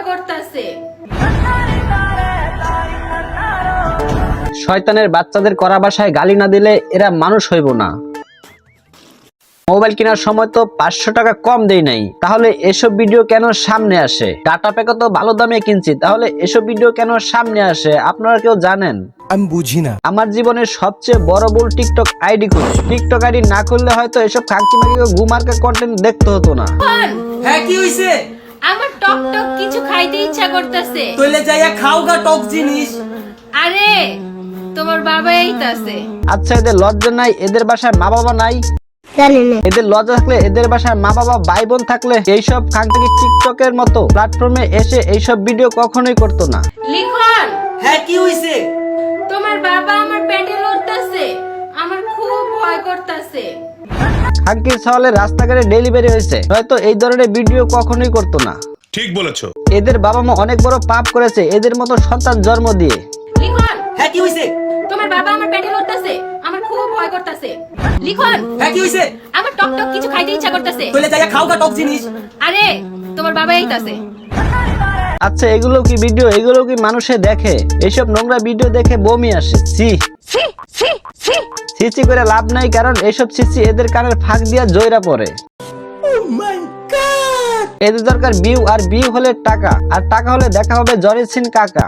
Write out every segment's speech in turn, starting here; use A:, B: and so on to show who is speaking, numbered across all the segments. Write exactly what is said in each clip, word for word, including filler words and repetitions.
A: করতেছে।
B: শয়তানের বাচ্চাদের করা ভাষায় গালি না দিলে এরা মানুষ হইব না। মোবাইল কেনার সময় তো পাঁচশো টাকা কম দেই নাই, তাহলে এসব ভিডিও কেন সামনে আসে? ডাটা প্যাকও তো ভালো দামে কিনছি, তাহলে এসব ভিডিও কেন সামনে আসে? আপনারা কেউ জানেন?
C: আমি বুঝি না।
B: আমার জীবনের সবচেয়ে বড় ভুল টিকটক আইডি খুলে। টিকটক আইডি না খুললে হয়তো এসব খাঙ্কি মাকি গুমার্কা কন্টেন্ট দেখতে হতো না।
D: হ্যাঁ কি হইছে?
A: আমার টক টক কিছু খাইতে ইচ্ছা করতেছে।
D: তইলে যাইয়া খাও গা টক জিনিস।
A: আরে তোমার বাবা এইতাছে।
B: আচ্ছা এদের লজ্জা নাই? এদের বাসায় মা বাবা নাই? এদের লজ্জা থাকলে এদের বাসায় মা বাবা ভাই বোন থাকলে এইসব খাঙ্কি টিকটকের মতো প্ল্যাটফর্মে এসে এইসব ভিডিও কখনোই করতো না।
A: লিখন
D: হ্যাঁ কি হইছে?
A: তোমার বাবা আমার পেটে লড়তাছে, আমার খুব ভয় করতেছে।
B: খাঙ্কির সওয়ালে রাস্তাঘাটে ডেলিভারি হয়েছে, হয়তো এই ধরনের ভিডিও কখনোই করতো না।
E: ঠিক বলেছো।
B: এদের বাবা মা অনেক বড় পাপ করেছে এদের মতো সন্তান জন্ম দিয়ে।
A: লিখন
D: হ্যাঁ কি হইছে?
A: তোমার বাবা আমার পেটে লড়তাছে, আমার খুব ভয় করতেছে। লিখন
D: হ্যাঁ কি হইছে?
A: আমার টক টক কিছু খাইতে ইচ্ছা করতেছে।
D: তইলে যাইয়া খাও গা টক জিনিস।
A: আরে তোমার বাবা এইতাছে।
B: আচ্ছা এগুলো কি ভিডিও? এগুলো কি মানুষে দেখে? এইসব নোংরা ভিডিও দেখে বমি আসে। C
A: C C C
B: CC করে লাভ নাই, কারণ এইসব সিসি এদের কানের ফাঁক দিয়া জয়রা পড়ে। এদের দরকার ভিউ, আর ভিউ হলে টাকা, আর টাকা হলে দেখা হবে জরের সিন কাকা।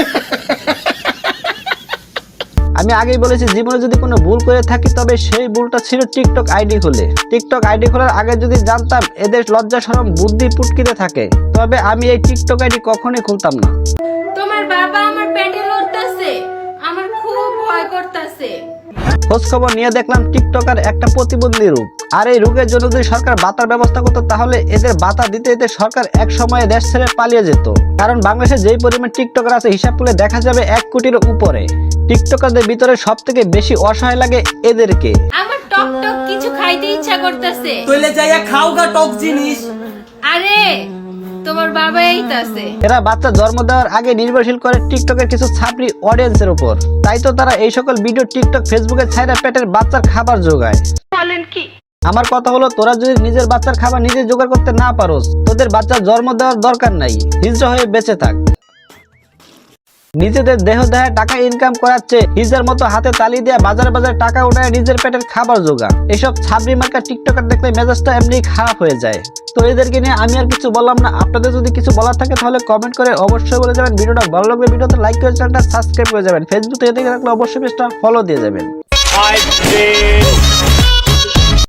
B: আমি আগেই বলেছি জীবনে যদি কোনো ভুল করে থাকি তবে সেই ভুলটা ছিল টিকটক আইডি খুলে। টিকটক আইডি খোলার আগে যদি জানতাম এদের লজ্জা শরম বুদ্ধি পুটকিতে থাকে, তবে আমি এই টিকটক আইডি কখনোই খুলতাম না।
A: তোমার বাবা আমার পেটে লড়তাছে, আমার খুব ভয় করতেছে।
B: খোঁজ খবর নিয়ে দেখলাম টিকটকার একটা প্রতিবন্ধী রোগ, আর এই রোগের জন্য যদি সরকার ভাতার ব্যবস্থা করতো তাহলে এদের ভাতা দিতে দিতে সরকার এক সময়ে দেশ ছেড়ে পালিয়ে যেত। কারণ বাংলাদেশে যেই পরিমাণ টিকটকার আছে হিসাব করলে দেখা যাবে এক কোটির উপরে। টিকটকারদের ভিতরে সব থেকে বেশি অসহায় লাগে এদেরকে।
A: আমার টক টক কিছু খাইতে ইচ্ছা করতেছে।
D: তইলে যাইয়া খাও গা টক জিনিস।
A: আরে তোমার বাবা এইতাছে।
B: এরা বাচ্চা জন্ম দেওয়ার আগে নির্ভরশীল করে টিকটকের কিছু ছাত্রী অডিয়েন্সের উপর, তাই তো তারা এই সকল ভিডিও টিকটক ফেসবুকে ছাইরা পেটের বাচ্চার খাবার যোগায়।
A: বলেন কি?
B: আমার কথা হলো তোরা যদি নিজের বাচ্চার খাবার নিজে জোগাড় করতে না পারোস, তোদের বাচ্চার জন্ম দেওয়ার দরকার নাই, হিজড়া হয়ে বেঁচে থাক। নিজেদের দেহ দেহে টাকা ইনকাম করাচ্ছে হিজার মতো হাতে তালি দিয়ে বাজারে বাজারে টাকা উঠায় নিজের পেটের খাবার জোগা। এসব ছাবড়ি মার্কা টিকটকার দেখলে মেজাজটা এমনি খারাপ হয়ে যায়। তো এদেরকে নিয়ে আমি আর কিছু বললাম না। আপনাদের যদি কিছু বলার থাকে তাহলে কমেন্ট করে অবশ্যই বলে যাবেন। ভিডিওটা ভালো লাগলে ভিডিওতে লাইক করে চ্যানেলটা সাবস্ক্রাইব করে যাবেন। ফেসবুক থেকে দেখে থাকলে অবশ্যই পেজটা ফলো দিয়ে যাবেন।